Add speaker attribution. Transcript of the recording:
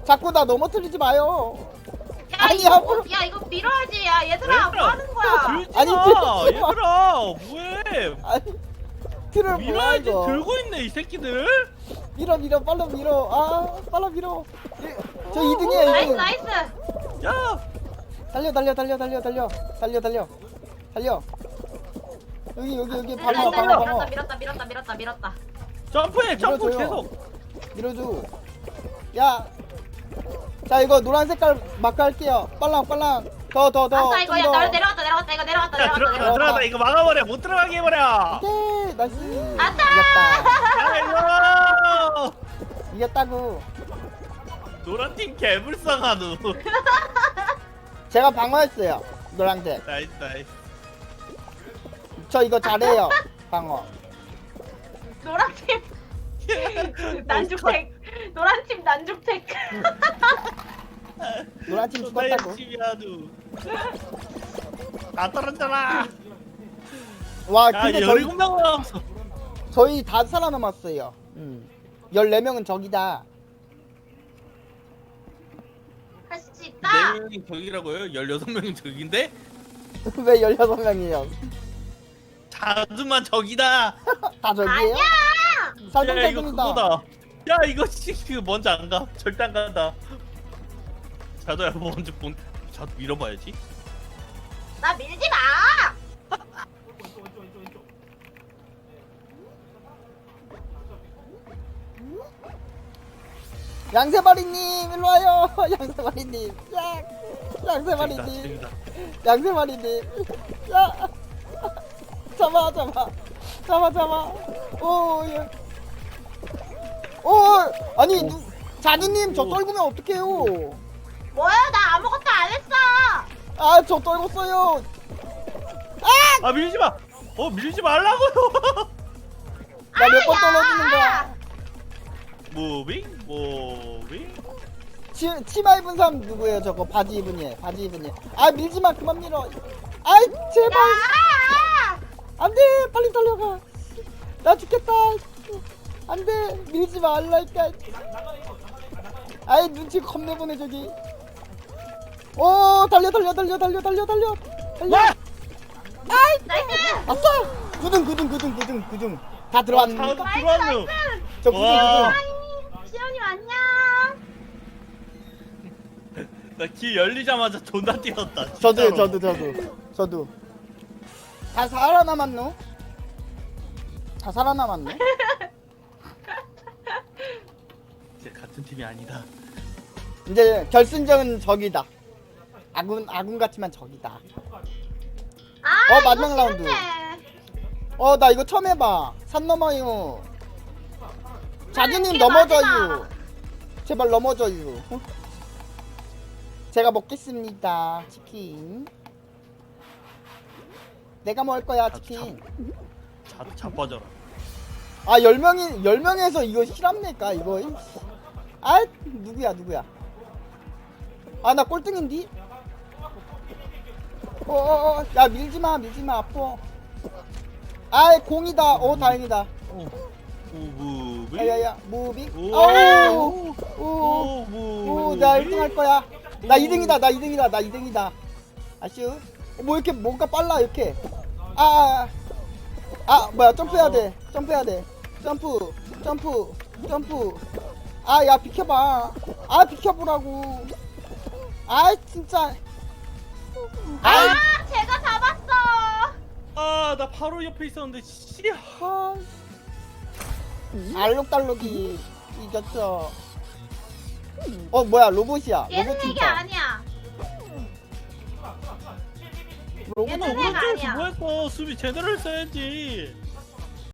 Speaker 1: 자꾸 나 넘어뜨리지 마요.
Speaker 2: 야
Speaker 1: 아니,
Speaker 2: 이거
Speaker 1: 앞으로.
Speaker 2: 야 이거 밀어야지. 야 얘들아 뭐 하는 거야?
Speaker 3: 들지
Speaker 1: 아니,
Speaker 3: 마.
Speaker 1: 들지 마.
Speaker 3: 얘들아 뭐해?
Speaker 1: 아니 틀을 뭐야
Speaker 3: 밀어야지.
Speaker 1: 이거.
Speaker 3: 들고 있네 이 새끼들.
Speaker 1: 밀어 빨라 밀어. 아 빨라 밀어. 저 2등이야
Speaker 2: 나이스
Speaker 1: 2등.
Speaker 2: 나이스.
Speaker 3: 야.
Speaker 1: 달려. 여기
Speaker 2: 달려,
Speaker 1: 방어.
Speaker 2: 밀었다.
Speaker 3: 점프해 점프
Speaker 1: 밀어줘요.
Speaker 3: 계속.
Speaker 1: 밀어줘. 야. 자 이거 노란 색깔 마크 할게요. 빨랑. 더.
Speaker 2: 아싸 이거 야
Speaker 1: 좀 더.
Speaker 2: 내려왔다. 이거 내려왔다.
Speaker 3: 야 들어가 이거 막아버려 못 들어가게 해버려.
Speaker 1: 오케이 나이스.
Speaker 2: 아싸!
Speaker 3: 아이고.
Speaker 1: 이겼다고.
Speaker 3: 노란 팀 개불쌍하누.
Speaker 1: 제가 방어했어요. 노란색.
Speaker 3: 나이스.
Speaker 1: 저 이거 잘해요. 방어.
Speaker 2: 노란팀 난죽택. 노란팀 난죽택.
Speaker 1: 노란 팀
Speaker 3: 존나
Speaker 1: 죽었다고.
Speaker 3: 열심히 하누. 나 떨어졌잖아.
Speaker 1: 와
Speaker 3: 야
Speaker 1: 근데 저희
Speaker 3: 17명 남았어.
Speaker 1: 저희 다 살아남았어요. 14명은 적이다.
Speaker 2: 할 수 있다.
Speaker 3: 4명이 적이라고요? 16명이 적인데?
Speaker 1: 왜 16명이에요?
Speaker 3: 자주만 적이다.
Speaker 1: 다 적이에요?
Speaker 2: 아니야.
Speaker 3: 야 이거
Speaker 1: 살금살금이다.
Speaker 3: 그거다. 야 이거 그 먼저 안 가. 절대 안 간다. 자도야 먼저 자도 밀어봐야지.
Speaker 2: 나 밀지 마.
Speaker 1: 양세마리님 일로 와요. 양세마리님. 양세마리님.
Speaker 3: 재밌다.
Speaker 1: 양세마리님. 야. 잡아. 오 예. 오 아니 자두님 저 떨구면 어떡해요?
Speaker 2: 뭐야 나 아무것도 안 했어.
Speaker 1: 아 저 떨궜어요.
Speaker 3: 아 밀지 마. 밀지 말라고요.
Speaker 1: 나 몇 번
Speaker 2: 야!
Speaker 1: 떨어지는 거야.
Speaker 3: 무빙.
Speaker 1: 치마 입은 사람 누구예요? 저거 바지 입은 얘. 아 밀지마 그만 밀어. 아이 제발.
Speaker 2: 야!
Speaker 1: 안돼 빨리 달려가. 나 죽겠다. 안돼 밀지 말라니까. 아이 눈치 겁내 보네 저기. 오 달려.
Speaker 3: 와!
Speaker 2: 나이스.
Speaker 1: 아싸. 9등. 다
Speaker 3: 자도
Speaker 1: 들어왔는데.
Speaker 3: 들어왔노.
Speaker 1: 저 9등.
Speaker 3: 와.
Speaker 2: 시연님 안녕.
Speaker 3: 나 길 열리자마자 존나 뛰었다. 진짜로.
Speaker 1: 저도. 다 살아남았노? 다 살아남았네.
Speaker 3: 이제 같은 팀이 아니다.
Speaker 1: 이제 결승전은 적이다. 아군 같지만 적이다.
Speaker 2: 아
Speaker 1: 마지막
Speaker 2: 이거
Speaker 1: 라운드.
Speaker 2: 싫은데.
Speaker 1: 나 이거 처음 해봐. 산 넘어요. 자두님
Speaker 2: 이게
Speaker 1: 넘어져요.
Speaker 2: 마지막.
Speaker 1: 제발 넘어져요. 제가 먹겠습니다. 치킨. 내가 먹을 거야 치킨.
Speaker 3: 자도 자빠져라.
Speaker 1: 아 10명에서 이거 실합니까 이거? 아 누구야? 아 나 꼴등인디? 야 밀지마 아파. 아 공이다. 다행이다.
Speaker 3: 무빙.
Speaker 1: 야야야 무빙.
Speaker 3: 오.
Speaker 1: 나 1등 할 거야. 나 2등이다. 아슈. 뭐 이렇게 뭔가 빨라 이렇게. 뭐야 점프해야 돼. 점프. 야 비켜봐. 비켜보라고. 진짜.
Speaker 2: 제가 잡았어.
Speaker 3: 나 바로 옆에 있었는데 씨.
Speaker 1: 알록달록이 이겼어. 뭐야 로봇이야.
Speaker 2: 얘는
Speaker 1: 로봇
Speaker 2: 이게
Speaker 1: 팀장.
Speaker 2: 아니야.
Speaker 1: 로봇
Speaker 2: 얘는
Speaker 1: 팀장.
Speaker 2: 내가
Speaker 3: 오른쪽에서
Speaker 2: 아니야.
Speaker 3: 뭐 했어? 수비 제대로 했어야지.